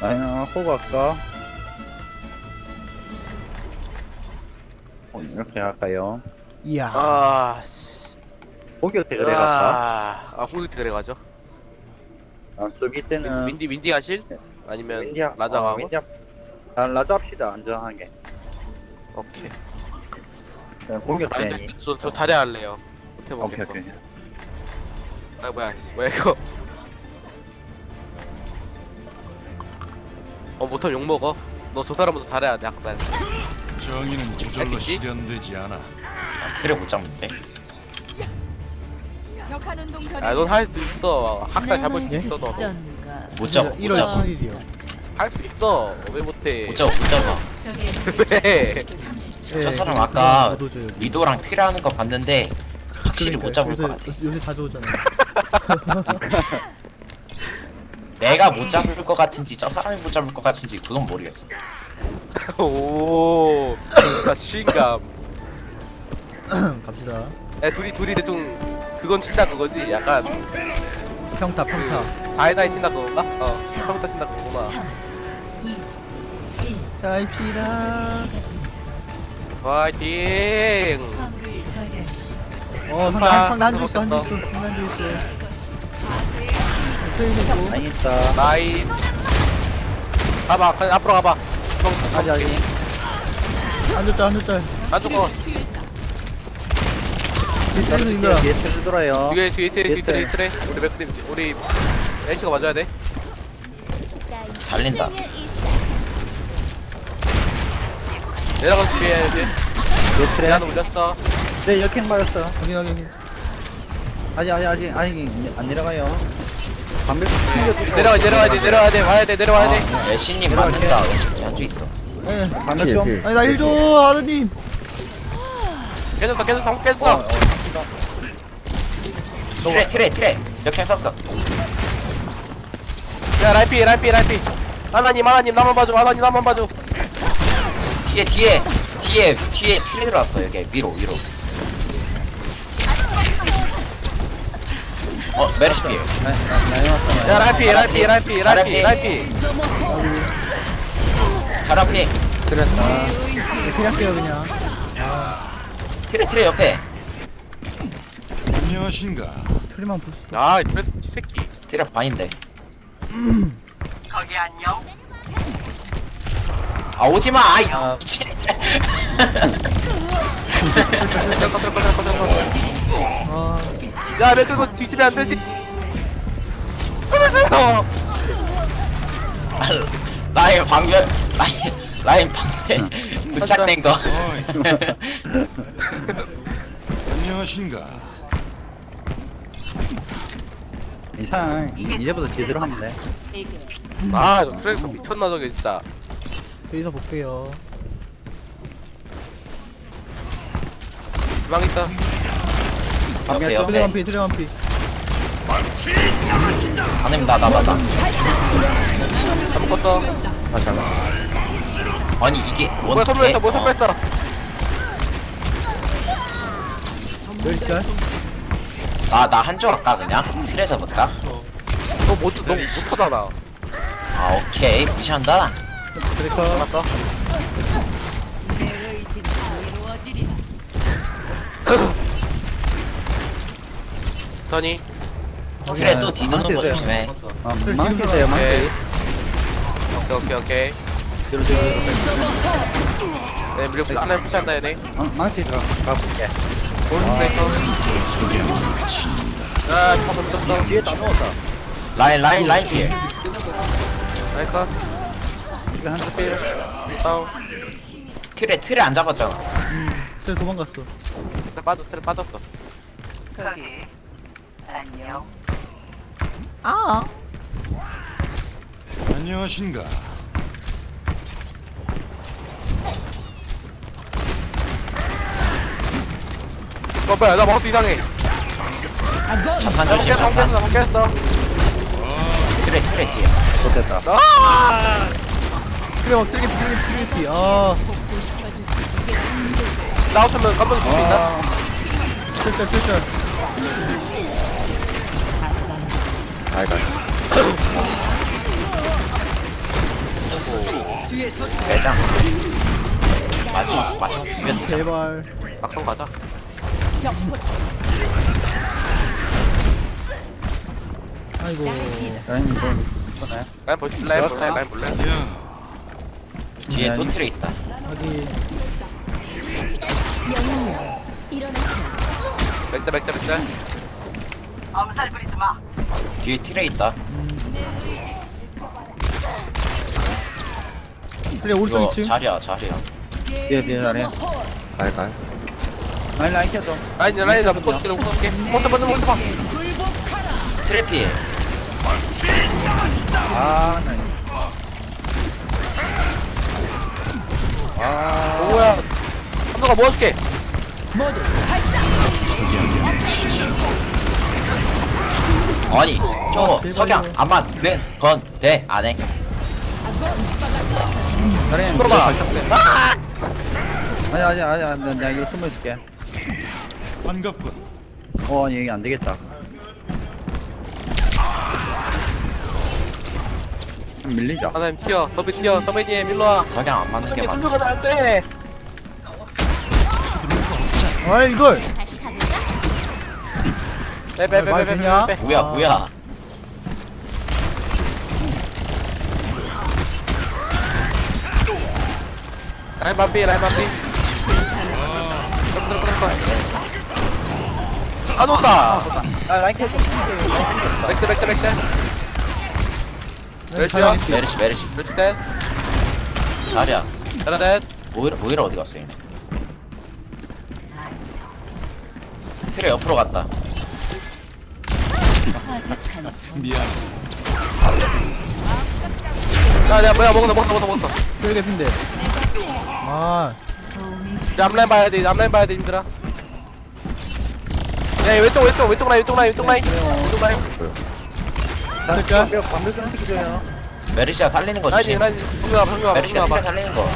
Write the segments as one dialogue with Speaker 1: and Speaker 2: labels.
Speaker 1: 라인 호구 할까? 이렇게 할까요?
Speaker 2: 이야.
Speaker 3: 씨.
Speaker 1: 공격 때 그래 갈까?
Speaker 3: 공격 때 그래 가죠.
Speaker 1: 수비 때는
Speaker 3: 윈디 하실? 아니면
Speaker 1: 윈디야.
Speaker 3: 라자가 하고?
Speaker 1: 윈디야. 난 라자 합시다. 안전하게.
Speaker 3: 오케이.
Speaker 1: 공격 때니.
Speaker 3: 저 다리 할래요.
Speaker 1: 오케이
Speaker 3: 해보겠어.
Speaker 1: 오케이.
Speaker 3: 아 뭐야 이거? 못하면 욕 먹어. 너 저 사람부터 잘해야 돼 학살.
Speaker 4: 정의는 저절로
Speaker 3: 알겠지?
Speaker 4: 실현되지 않아.
Speaker 5: 틀에 못 잡는데.
Speaker 6: 격한 운동 전에
Speaker 3: 넌 할 수 있어. 학살 잡을 수 있어 너도.
Speaker 5: 못 잡아. 못
Speaker 2: 1월
Speaker 5: 잡아.
Speaker 2: 7일이요.
Speaker 3: 할 수 있어. 왜 못해?
Speaker 5: 못 잡아. 못 잡아.
Speaker 3: 왜?
Speaker 5: 저 사람 아까
Speaker 2: 저도 져요.
Speaker 5: 위도랑 틀에 하는 거 봤는데 확실히 못 잡을 것 같아.
Speaker 2: 요새 자주 오잖아.
Speaker 5: 내가 못 잡을 것 같은지 저 사람이 못 잡을 것 같은지 그건 모르겠어.
Speaker 3: 오, 진짜 시인감.
Speaker 2: 갑시다.
Speaker 3: 야, 둘이 대충 그건 친다 그거지. 약간
Speaker 2: 평타.
Speaker 3: 다이나이 친다 그건가? 평타 친다 그거구나.
Speaker 2: 가입시다.
Speaker 3: 화이팅!
Speaker 2: 상대 한줄 있어.
Speaker 1: 라인 있다.
Speaker 3: 라인. 가봐, 그냥 앞으로 가봐.
Speaker 1: 아직.
Speaker 2: 한줄짤.
Speaker 3: 안 죽어.
Speaker 2: 뒤에서 인거야.
Speaker 1: 뒤에 틀 돌아요.
Speaker 3: 뒤에 트레. 우리 맥크림, 우리 H가 맞아야 돼.
Speaker 5: 살린다.
Speaker 3: 내려가서 뒤에 해야지.
Speaker 1: 뒤에 틀에.
Speaker 3: 나도 올렸어.
Speaker 1: 네 역행 맞았어.
Speaker 2: 확인.
Speaker 1: 아직 안 내려가요. 반백
Speaker 3: 내려와야 돼. 와야 돼.
Speaker 5: 애쉬님 맞는다. 왼쪽에 한줄 있어.
Speaker 2: 예.
Speaker 1: 반백 좀.
Speaker 2: 아니 나 1조 아드님.
Speaker 3: 깼어.
Speaker 5: 틀에 이렇게 썼어.
Speaker 3: 야, 라이피. 하나님, 나만 봐줘.
Speaker 5: 뒤에 틀에 들어왔어. 여기 위로. 메르시피.
Speaker 1: 라인 왔어.
Speaker 3: 야, 라이피.
Speaker 5: 잘 앞에.
Speaker 2: 피할게요 그냥.
Speaker 5: 틀에 옆에.
Speaker 4: 안녕하신가.
Speaker 2: 틀리만 볼 수.
Speaker 3: 아, 이 트레스 새끼.
Speaker 5: 틀에 반인데.
Speaker 6: 거기 안녕.
Speaker 5: 아 오지마. 아이
Speaker 1: 아.
Speaker 5: 미친.
Speaker 2: 아.
Speaker 3: 야, 맥크림 뒤집으면 안 되지. 끊어줘요.
Speaker 5: 라인 방면. 라인 방면. 부착된 거.
Speaker 4: 안녕하신가.
Speaker 1: 이상 이제부터 제대로 하면 돼.
Speaker 3: 아, 저 트레스 미쳤나 저게 진짜.
Speaker 2: 여기서 볼게요.
Speaker 3: 주방 있다.
Speaker 5: 옆에
Speaker 2: 트레
Speaker 5: 옆에.
Speaker 2: 완피.
Speaker 5: 안님 나.
Speaker 3: 다 묶었어.
Speaker 5: 아니 이게
Speaker 3: 뭐야, 선물했어.
Speaker 2: 열짤.
Speaker 5: 나 한쪽 할까 그냥? 틀에서 볼까?
Speaker 3: 너 못하잖아.
Speaker 5: 아 오케이 무시한다.
Speaker 1: 트리커.
Speaker 3: 맞다. 선이.
Speaker 5: 틀에 또 뒤도는 거 조심해.
Speaker 1: 망치세요 망치.
Speaker 3: 오케이. 네, 무력 하나 푸시한다 얘네.
Speaker 1: 망치 가볼게.
Speaker 3: 골드브레이커. 아, 한번 떴어.
Speaker 1: 뒤에 다 넣었다.
Speaker 5: 라인 피해.
Speaker 3: 라이커.
Speaker 1: 이거 한
Speaker 3: 필. 다운.
Speaker 5: 틀에 안 잡았잖아.
Speaker 2: 트레 도망갔어.
Speaker 3: 트레 빠졌어.
Speaker 6: 거기 안녕.
Speaker 2: 아.
Speaker 4: 안녕하신가.
Speaker 3: 뭐야, 나 마우스 이상해.
Speaker 5: 잠깐
Speaker 3: 나
Speaker 5: 조심.
Speaker 3: 바뀌었어.
Speaker 5: 틀에 뒤에.
Speaker 1: 좋겠다.
Speaker 3: 아!
Speaker 2: 트레 막 트레. 아.
Speaker 3: 나왔으면 깜짝 놀수 있나?
Speaker 2: 짤.
Speaker 5: 매장. 마지막 비벼 되자.
Speaker 2: 제발.
Speaker 3: 막상 가자.
Speaker 2: 아이고.
Speaker 1: 라인 뭐 있잖아요.
Speaker 3: 라인 볼래? 라인 볼래?
Speaker 4: 야,
Speaker 5: 뒤에 또 트레 있다.
Speaker 2: 여기.
Speaker 3: 맥자.
Speaker 5: 뒤에 트레 있다.
Speaker 2: 그래 오른쪽
Speaker 5: 이거
Speaker 2: 2층.
Speaker 5: 자리야.
Speaker 1: 뒤에 라인.
Speaker 7: 갈갈.
Speaker 1: 라인 켜줘.
Speaker 3: 라인 나 묶어줄게. 먼저 봐.
Speaker 5: 트레 피해.
Speaker 1: 아, 나
Speaker 3: 뭐야? 한도가 모아줄게.
Speaker 5: 아니 저거
Speaker 2: 제발요.
Speaker 5: 석양 안만 왼건대 안해.
Speaker 1: 라인
Speaker 3: 들어가.
Speaker 1: 아니, 나 이거 숨어줄게.
Speaker 4: 반갑군.
Speaker 1: 얘기 안 되겠다. 좀 밀리자.
Speaker 3: 하나님 튀어. 서비님 일로 와.
Speaker 5: 석양 안 맞는 게 맞아.
Speaker 3: 들어가면 안 돼.
Speaker 2: 아 이걸.
Speaker 3: 빼.
Speaker 5: 뭐야.
Speaker 3: 라인 반피. 들어. 안 온다.
Speaker 1: 라인 켜줘.
Speaker 3: 맥자. 멸치야.
Speaker 5: 메르시
Speaker 3: 멸치 때.
Speaker 5: 자리야.
Speaker 3: 잘하네.
Speaker 5: 오히려 어디 갔어 얘네. 트레 옆으로 갔다.
Speaker 4: 미안.
Speaker 3: 야, 뭐야, 먹었어.
Speaker 2: 그래 개핀데. 아.
Speaker 3: 앞라인 봐야 돼, 힘들어. 야, 왼쪽 라인.
Speaker 2: 될까?
Speaker 1: 방금 선택해줘요.
Speaker 5: 메르시아 살리는 거 주지.
Speaker 3: 라인, 방금
Speaker 5: 메르시아
Speaker 3: 봐.
Speaker 5: 트레 살리는 거.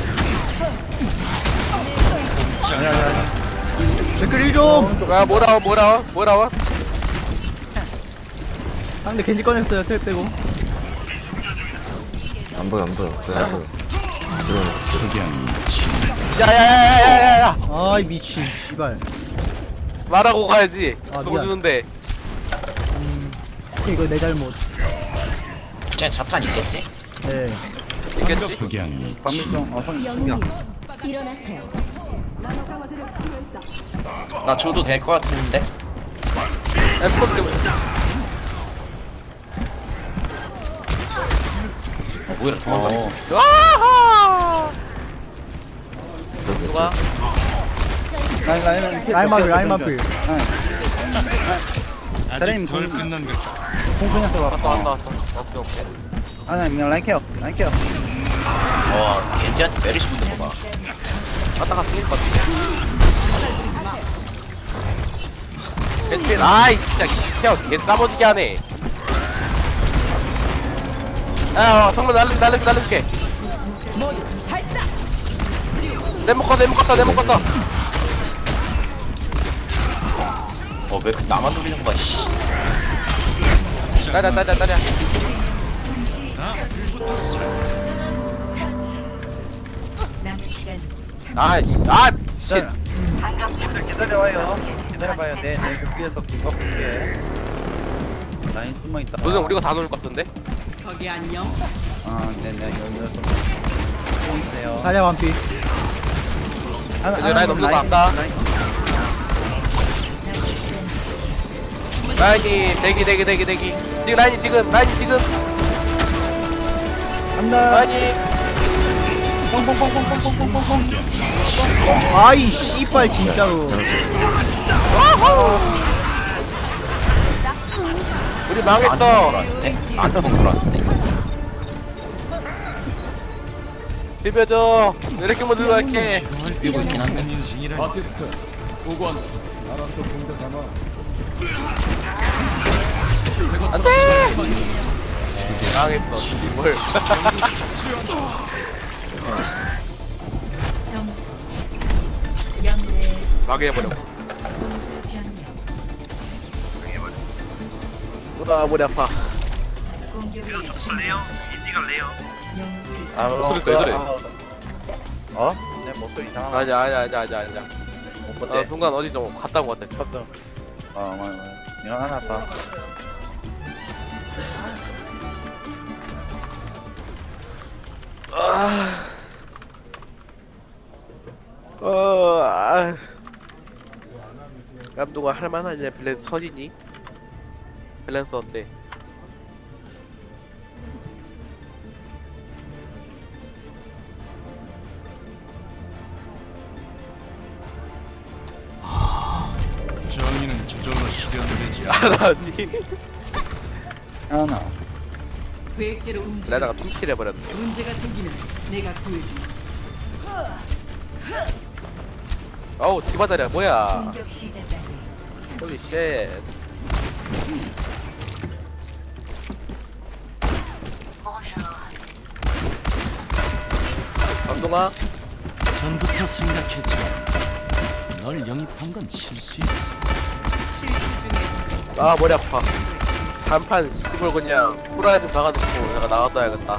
Speaker 2: 댓글 1좀.
Speaker 3: 야, 뭐라워?
Speaker 2: 상대 겐지 꺼냈어요. 텔 빼고.
Speaker 7: 안 보여. 그래 안 보여.
Speaker 4: 석양.
Speaker 3: 야.
Speaker 2: 아이 미친. 씨발.
Speaker 3: 말하고 가야지.
Speaker 2: 아,
Speaker 3: 저거
Speaker 2: 미안.
Speaker 3: 주는데.
Speaker 2: 이거 내 잘못.
Speaker 5: 쟤 자탄 있겠지?
Speaker 2: 네.
Speaker 3: 있겠지?
Speaker 4: 석양.
Speaker 1: 방금 성이야.
Speaker 6: 일어나세요.
Speaker 5: 나 줘도 될 것 같은데.
Speaker 3: 야, 스포츠
Speaker 5: 오히려 도망갔어.
Speaker 3: 와하!
Speaker 7: 그러겠지.
Speaker 3: 좋아.
Speaker 2: 라인 마필.
Speaker 1: 사장님
Speaker 4: 아직 덜 끝난 것 같다.
Speaker 1: 공분해서
Speaker 3: 왔어.
Speaker 1: 왔어.
Speaker 3: 오케이.
Speaker 1: 그냥 라인 켜.
Speaker 5: 겐지한테 메르시 붙는 거 봐.
Speaker 3: 갔다가 죽일 것 같아. 벤 아이 진짜 개 싸버지게 하네. 야, 정말 날려줄게. 내 묶었어.
Speaker 5: 왜 나만 노리는 거야, 씨.
Speaker 3: 따랴.
Speaker 6: 남은 시간
Speaker 3: 씨.
Speaker 1: 기다려봐요. 기다려봐요. 내 뒤에서 그거 볼게. 라인 숨어있다.
Speaker 3: 무슨 우리가 다 놓을 것 같던데?
Speaker 1: 네네. 여기서 숨어있어요.
Speaker 2: 다리아 완피.
Speaker 3: 이제 라인 없는 거 안다. 라인이 대기. 라인이 지금.
Speaker 2: 간다.
Speaker 3: 라인이.
Speaker 2: 아이 씨발 진짜로.
Speaker 3: 우리 망했어.
Speaker 5: 나한테 들어왔는데.
Speaker 3: 비벼줘. 이렇게 못 들어갈게.
Speaker 5: 뛰고 있긴 한데.
Speaker 4: 인생이란 아티스트. 오관.
Speaker 3: 안돼. 망했어. 뭘?
Speaker 6: 점수 0대
Speaker 3: 망해버려.
Speaker 6: 공수 변경.
Speaker 3: 머리 아파.
Speaker 6: 공격을 준비하십시오. 영웅을
Speaker 3: 목소리 왜 그래?
Speaker 1: 어? 내 목소리 이상하나?
Speaker 3: 아니야.
Speaker 1: 못
Speaker 3: 나 순간 어디 좀 갔다 온 것 같았어.
Speaker 1: 맞아. 일어나놨다.
Speaker 3: 감독아 할만하냐? 밸런스 서지니? 밸런스 어때?
Speaker 4: 정의는 저절로 실현되지 않아.
Speaker 3: 알았니?
Speaker 1: 하나.
Speaker 8: 계획대로 움직여.
Speaker 3: 레나가 tum칠 해버렸네.
Speaker 8: 문제가 생기면 내가 구해준다.
Speaker 3: 어우 디바다리야 뭐야?
Speaker 6: 공격 시작까지
Speaker 3: 홀리 쉣. 감독아
Speaker 4: 전부터 생각했지만 널 영입한 건 실수였어.
Speaker 3: 아 머리 아파. 단판 씨발 그냥 후라이드 박아놓고 내가 나갔다야겠다.
Speaker 6: 4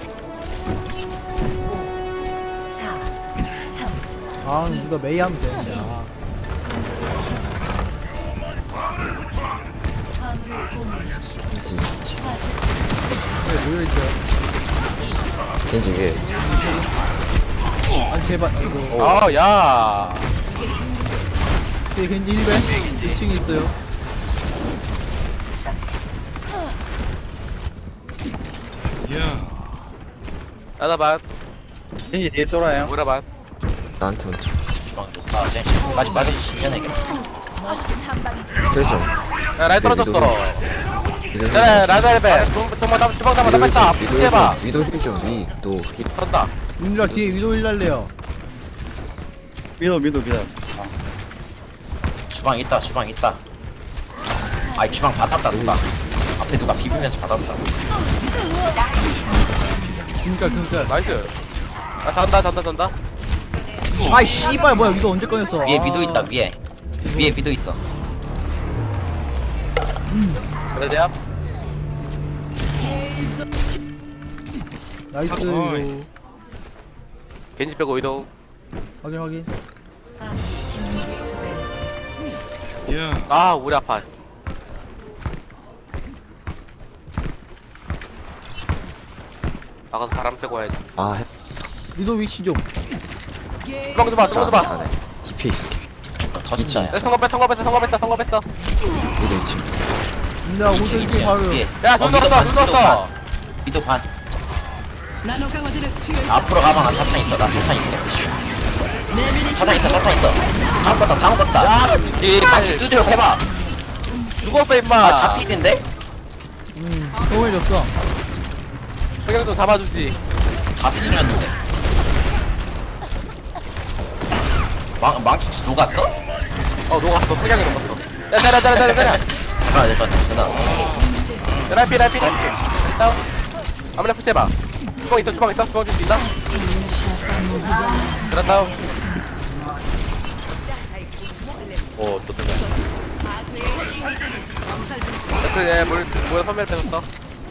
Speaker 6: 3
Speaker 2: 아 이거 메이 하면 되는데
Speaker 6: 화물을 공유하십시오.
Speaker 2: 왜 모여있어요?
Speaker 7: 겐지게
Speaker 2: 아니 제발 아이고
Speaker 3: 아 야.
Speaker 2: 뒤에 겐지 1배 2층에 있어요
Speaker 4: 야,
Speaker 3: 나다반
Speaker 1: 진이 뒤에 돌아요.
Speaker 3: 우라반.
Speaker 7: 나한테 먼저
Speaker 5: 주방 좋다. 쟤 지금까지 빠질 수 있냐 이게.
Speaker 7: 그래서
Speaker 3: 야 라인 떨어졌어.
Speaker 7: 미도
Speaker 3: 그래 라자르베. 정말 나 주방 잡아 뺐다. 피해봐.
Speaker 7: 위도 힐좀 위도 힐
Speaker 3: 선다.
Speaker 2: 민주아 뒤에 위도 일날래요
Speaker 1: 믿어.
Speaker 5: 주방 있다. 아이 주방 받았다 누가. 앞에 누가 비비면서 받았다.
Speaker 2: 그니까
Speaker 3: 나이스. 아 잔다.
Speaker 2: 아이 씨발 뭐야 위도 언제 꺼냈어
Speaker 5: 위에
Speaker 2: 아.
Speaker 5: 미도 있다 위에 미도 있어.
Speaker 3: 그래 대합.
Speaker 2: 나이스 위도
Speaker 3: 겐지 빼고 이동.
Speaker 2: 확인
Speaker 4: 야,
Speaker 3: 아 우리 아파. 나가서 바람 쐬고 와야지.
Speaker 7: 아
Speaker 2: 위도 위치 좀
Speaker 3: 주방 좀 봐.
Speaker 7: 안에 깊이 있어
Speaker 5: 터진다.
Speaker 3: 내 성공 뺐어.
Speaker 7: 위도 2층
Speaker 2: 민주아 오른쪽
Speaker 5: 2층
Speaker 2: 바로
Speaker 5: 위에.
Speaker 3: 야눈 넣었어.
Speaker 5: 미도 반.
Speaker 8: 나노 강화제를 투여.
Speaker 5: 앞으로 가봐. 나 차탄 있어. 차탄 있어. 다음 껐다. 이 같이 두드려 해봐.
Speaker 3: 죽었어 임마.
Speaker 5: 다 필인데?
Speaker 2: 소원해줬어
Speaker 3: 석양 좀 잡아주지.
Speaker 5: 다 필이었는데. 망치 녹았어?
Speaker 3: 녹았어. 석양이 녹았어. 야 때려.
Speaker 5: 아 됐다.
Speaker 3: 라이피. 다운. 아무나 푸시해봐. 주방 있어. 주방 줄 수 있나? 그래 다운.
Speaker 1: 또 들려.
Speaker 3: 그래 뭐야 선멸 뺏었어.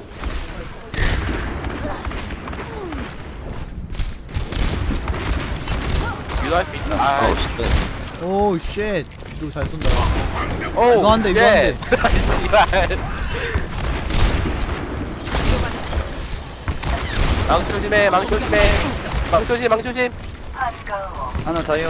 Speaker 3: 유도할 수 있다. 아,
Speaker 7: 아우 씨
Speaker 2: 오우 쉣 위도 잘 쏜다
Speaker 3: 오,
Speaker 2: 이거 한 대, 이거 한 대.
Speaker 3: 씨발. 망치 조심해. 망치 조심.
Speaker 1: 하나 더요.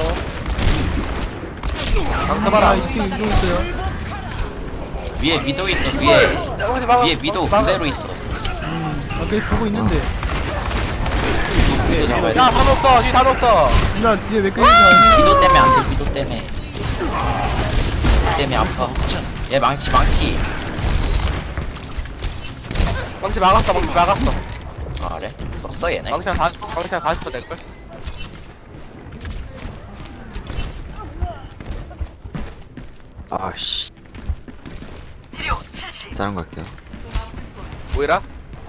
Speaker 3: 망치
Speaker 2: 아
Speaker 3: 봐라.
Speaker 2: 2층 위도 있어요
Speaker 5: 위에 미도 있어. 위에 미도 그대로 있어.
Speaker 2: 아 계속 보고 있는데
Speaker 5: 미도 잡아야 돼.
Speaker 3: 야, 다 넣었어. 뒤다 넣었어.
Speaker 2: 민주아 뒤에 왜 끌리지 않니?
Speaker 5: 미도 때문에 안 돼. 미도 때문에 아파. 얘 망치.
Speaker 3: 망치 막았어.
Speaker 5: 아 그래? 썼어 얘네.
Speaker 3: 망치랑 다 싶어 될걸?
Speaker 7: 아씨 다른 거 할게요
Speaker 3: 뭐이라?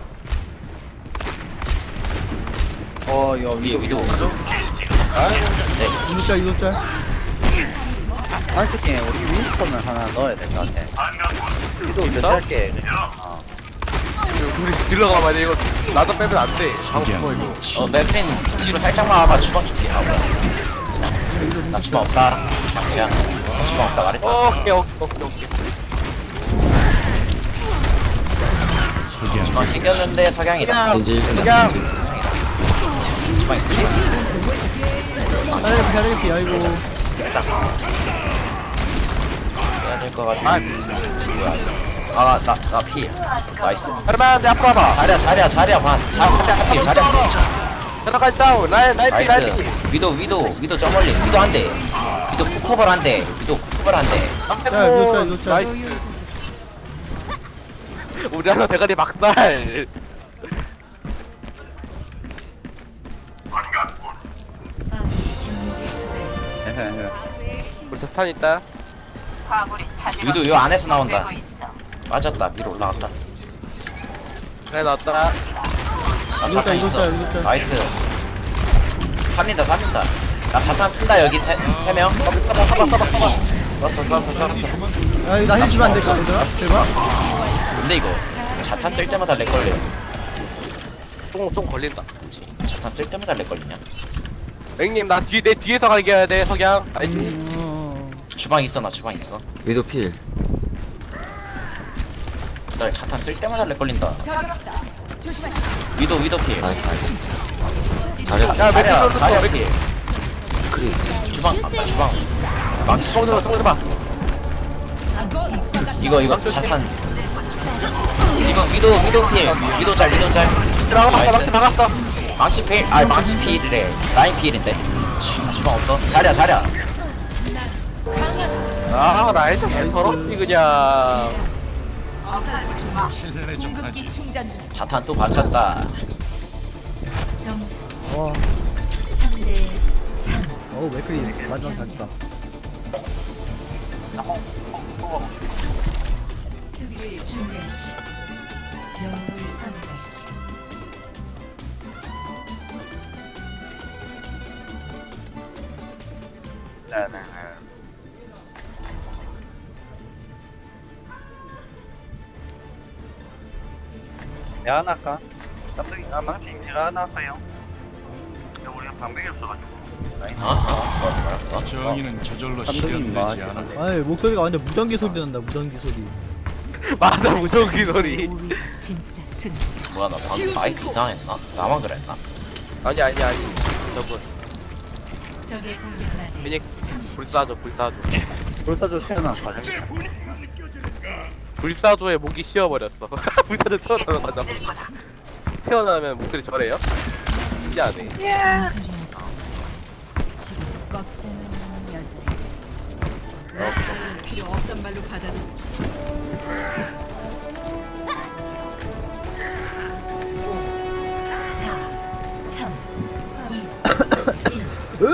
Speaker 1: 이거
Speaker 5: 위에 미도.
Speaker 2: 위도 위도 짤
Speaker 1: 솔직히 우리 윈스턴을 하나 넣어야 될 것 같아. 위도 이제
Speaker 3: 있어?
Speaker 1: 짧게.
Speaker 3: 우리 들어가봐 이거 나도 빼면 안돼 방금 이거
Speaker 5: 맥크린 뒤로 살짝만 와봐. 주방 줄게. 나 주방 없다. 맞지야. 주방 없다 말했다.
Speaker 3: 오케이
Speaker 5: 주방 생겼는데 석양이다.
Speaker 7: 왠지
Speaker 3: 그냥
Speaker 5: 주방 있을게.
Speaker 2: 잘해볼게 아이고.
Speaker 5: 해야 될 것 같아. 뭐야? 나 피. 나이스.
Speaker 3: 할만한데 앞으로 와봐
Speaker 5: 자리야 반. 자리야 피.
Speaker 3: 들어가지 다운 라인
Speaker 5: 나이스. 위도 저 멀리. 위도 한 대. 위도 쿡커벌 한 대. 위도 쿡커벌 한 대.
Speaker 2: 이거 짤.
Speaker 3: 나이스 우리 하나 대가리 막살 우리 스탄 있다
Speaker 5: 위도 요 안에서 나온다. 맞았다. 위로 올라갔다.
Speaker 3: 그래 나왔다
Speaker 5: 나
Speaker 2: 이거
Speaker 5: 자탄 있어.
Speaker 2: 이거 짤.
Speaker 5: 나이스. 살린다. 나 자탄 쓴다 여기 세 명. 썼어.
Speaker 2: 야 이거 나 해주면 안 될까 얘들아? 제발.
Speaker 5: 근데 이거 자탄 쓸 때마다 렉 걸려.
Speaker 3: 좀 걸린다
Speaker 5: 그치? 자탄 쓸 때마다 렉 걸리냐?
Speaker 3: 앵님 나 내 뒤에서 가게 해야 돼 석양 알지?
Speaker 5: 주방 있어. 나 주방 있어.
Speaker 7: 위도 필.
Speaker 5: 나 자탄 쓸 때마다 렉 걸린다.
Speaker 8: 저격수다. 조심하시.
Speaker 5: 위도 필.
Speaker 7: 나이스. 잘해.
Speaker 5: 자리야
Speaker 3: 몇
Speaker 5: 필.
Speaker 7: 크리.
Speaker 5: 주방 주방. 망치
Speaker 3: 총 들어봐
Speaker 5: 이거 자탄. 이거 위도 필. 위도 잘.
Speaker 3: 막지 막았어
Speaker 5: 망치 필. 망치 필이래. 라인 필인데. 주방 없어. 자리야.
Speaker 3: 아 나이스 더럽지 그냥
Speaker 4: 실내 좀 하지.
Speaker 8: 궁극기 충전 중.
Speaker 5: 자탄 또 받쳤다.
Speaker 6: 점수
Speaker 2: 와.
Speaker 6: 3대
Speaker 2: 어우 맥클이 마지막 잘했다.
Speaker 6: 수비를 준비하십시오. 영웅을 선택하십시오.
Speaker 1: 네네. 내가 하나 할까? 깜짝이 망치 내가 하나 할까요? 우리가 방벽이 없어가지고 라인
Speaker 5: 뭐야?
Speaker 4: 정의는 저절로
Speaker 1: 감독님 뭐
Speaker 4: 실현되지 않아.
Speaker 2: 아이 목소리가 완전 무전기 소리 난다 무전기 소리.
Speaker 3: 맞아 무조건 소리
Speaker 6: 우리 진짜 승.
Speaker 5: 뭐야 나 방금 마이크 이상했나? 나만 그랬나?
Speaker 3: 아니 저분
Speaker 6: 적의 공격을 하세요.
Speaker 3: 피닉스 불사조
Speaker 1: 불사조 태어난 과정
Speaker 3: 불사조의 목이 쉬어버렸어 불사조 태어나자마자 태어나면 목소리 저래요? 신기하네
Speaker 6: 소리 없죠. 지금 껍질만 남은 여자예요.
Speaker 8: 필요 없단 말로 받아들여.
Speaker 6: 4, 3, 2,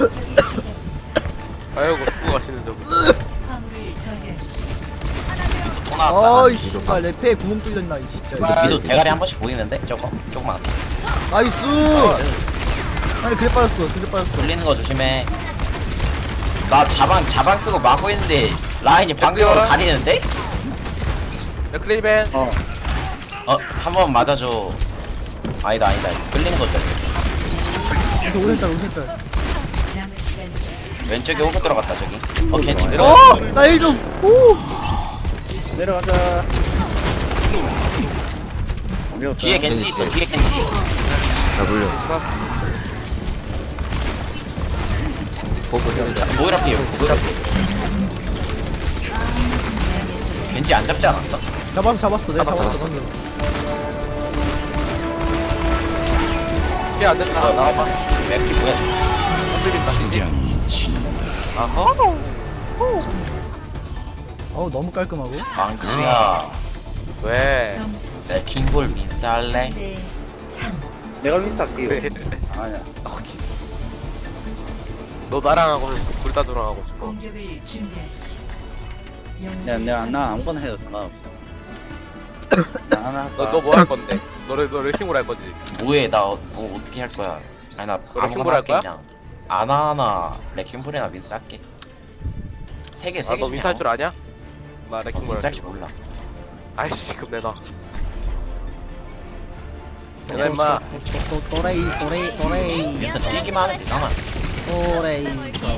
Speaker 3: 아이고 죽고 가시는데
Speaker 6: 화물을 저지하십시오.
Speaker 5: 또 나왔다.
Speaker 2: 아이씨 아 래페에 구멍 뚫렸나 이 진짜.
Speaker 5: 위도 대가리 한 번씩 보이는데? 조금만
Speaker 2: 나이스. 아니 그래 빠졌어.
Speaker 5: 돌리는 거 조심해. 나 자방 쓰고 막고 있는데 라인이 방벽으로 가리는데?
Speaker 3: 클리벤
Speaker 5: 한 번 맞아줘. 아니다 끌리는 거죠.
Speaker 2: 이거 오른쪽.
Speaker 6: 남은 시간
Speaker 5: 왼쪽에 오고 들어갔다 저기. 겐지
Speaker 2: 나 일 좀. 오.
Speaker 1: 내려가자.
Speaker 5: 뒤에 겐지 있어. 뒤에 겐지.
Speaker 7: 나 물려. 보고 해야겠다.
Speaker 5: 모이라 피해. 겐지 안 잡지 않았어?
Speaker 2: 잡았어. 내가 잡았어 방금.
Speaker 3: 피안 된다 나와봐
Speaker 5: 맵이 뭐야?
Speaker 3: 흔들린다
Speaker 4: 특이한 친.
Speaker 3: 아허
Speaker 2: 어우 너무 깔끔하고.
Speaker 5: 망치야.
Speaker 3: 왜
Speaker 6: 점수
Speaker 5: 내 킹볼 민쌀래?
Speaker 6: 3대 3.
Speaker 1: 내가 윈스 할게요.
Speaker 3: 왜?
Speaker 1: 아니야.
Speaker 3: 너 나랑 하고 불사조랑 하고 싶어
Speaker 6: 공격을 준비하십시오.
Speaker 1: 나 아무거나 해도 상관없어. 나 하나 할까?
Speaker 3: 너 뭐 할 건데? 너를 힘으로 할 거지
Speaker 5: 뭐해 나 어떻게 할 거야? 아니 나
Speaker 3: 너를
Speaker 5: 아무거나
Speaker 3: 킹볼 할
Speaker 5: 할게
Speaker 3: 거야?
Speaker 5: 그냥. 아나하나 레킹볼이나 민스 할게. 세 개.
Speaker 3: 너 민사 할 줄 아냐? 나 레킹볼
Speaker 5: 민스
Speaker 3: 할게
Speaker 5: 할줄 몰라.
Speaker 3: 아이씨 그럼 내놔 내가 임마
Speaker 2: 또레이
Speaker 5: 그래서 뛰기만 하면 되잖아.
Speaker 2: 또레이.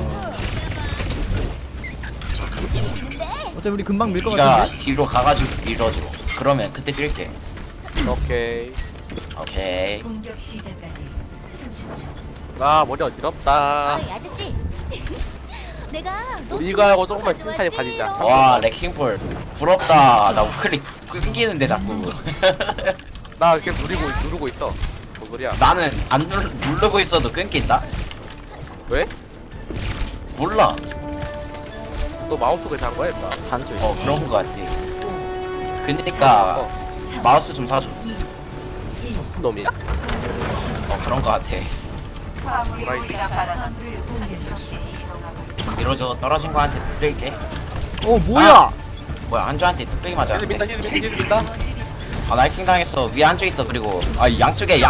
Speaker 2: 어차피 우리 금방 밀 것
Speaker 5: 네가
Speaker 2: 같은데?
Speaker 5: 뒤로 가가지고 밀어줘. 그러면 그때 뛸게.
Speaker 3: 오케이.
Speaker 5: 오케이.
Speaker 6: 공격 시작까지 30초.
Speaker 3: 아 머리 어지럽다.
Speaker 9: 어이 아저씨 내가 너
Speaker 3: 우리가 하고 조금만
Speaker 9: 좋아하지?
Speaker 3: 칭찬히 가지자.
Speaker 5: 와 레킹볼 부럽다. 나 우클릭 끊기는데 자꾸.
Speaker 3: 나 계속 누르고 있어. 뭔 소리야?
Speaker 5: 나는 안 누르고 있어도 끊긴다.
Speaker 3: 왜?
Speaker 5: 몰라.
Speaker 3: 너 마우스 그냥 한 거야 임마.
Speaker 7: 한줄
Speaker 5: 그런 거 같지. 그니까 마우스 좀 사줘.
Speaker 3: 무슨 놈이야?
Speaker 5: 그런 거 같아.
Speaker 3: 도라이 새끼.
Speaker 6: 화물을 공개하십시오.
Speaker 5: 이러저 떨어진 거한테 뚝배기게.
Speaker 2: 뭐야?
Speaker 5: 뭐야 한조한테 뚝배기 맞아.
Speaker 3: 히즈 민다.
Speaker 5: 아 나이킹 당했어. 위에 한조 있어. 그리고 양쪽에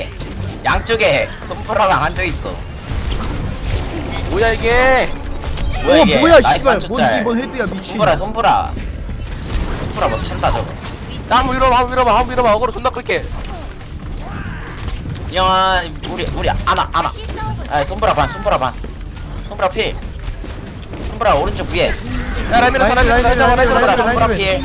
Speaker 5: 손프라랑 한조 있어.
Speaker 3: 뭐야 이게?
Speaker 5: 뭐야 이게?
Speaker 2: 뭐야
Speaker 5: 나이스
Speaker 2: 씨발.
Speaker 5: 한조
Speaker 2: 뭔
Speaker 5: 짤.
Speaker 2: 이번 헤드야 미친.
Speaker 5: 손프라 뭐 탄다 저거.
Speaker 3: 나 한번 밀어봐. 어그로 존나 끌게.
Speaker 5: 야 우리 아나. 아 손프라 반. 손프라 필. 손프라 오른쪽 위에.
Speaker 3: 야 라이미라
Speaker 2: 라인,
Speaker 3: 라이미라
Speaker 2: 라인,
Speaker 3: 라이미라
Speaker 2: 라인,
Speaker 5: 손프라
Speaker 2: 라인, 라인.
Speaker 5: 필.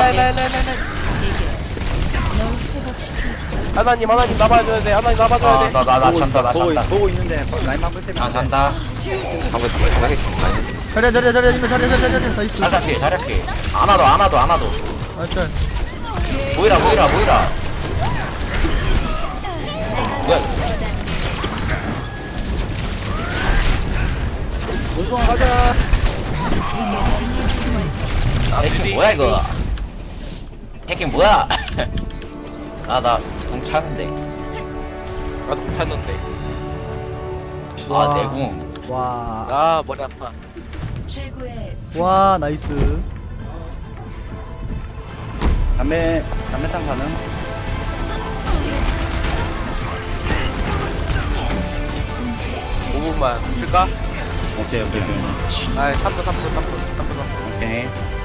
Speaker 3: 하나님 나봐줘야 돼. 하나님 나봐줘야 돼.
Speaker 5: 나 잔다.
Speaker 1: 보고 있는데 라인 한번 세면
Speaker 5: 나 잔다.
Speaker 7: 방금 하겠지.
Speaker 2: 자리야 나이스.
Speaker 5: 자리야 필. 안아도.
Speaker 2: 알짤.
Speaker 5: 모이라. 뭐야 이거.
Speaker 1: 원숭아 가자.
Speaker 5: 해킹 뭐야 이거. 해킹 뭐야. 나 동차는데.
Speaker 3: 나도 괜찮는데.
Speaker 5: 내궁.
Speaker 2: 와.
Speaker 3: 아 머리 아파.
Speaker 6: 최고의
Speaker 2: 와 나이스.
Speaker 1: 담배탕 가능?
Speaker 3: 5분만 쓸까?
Speaker 1: 오케이.
Speaker 3: 아 3분.
Speaker 1: 오케이.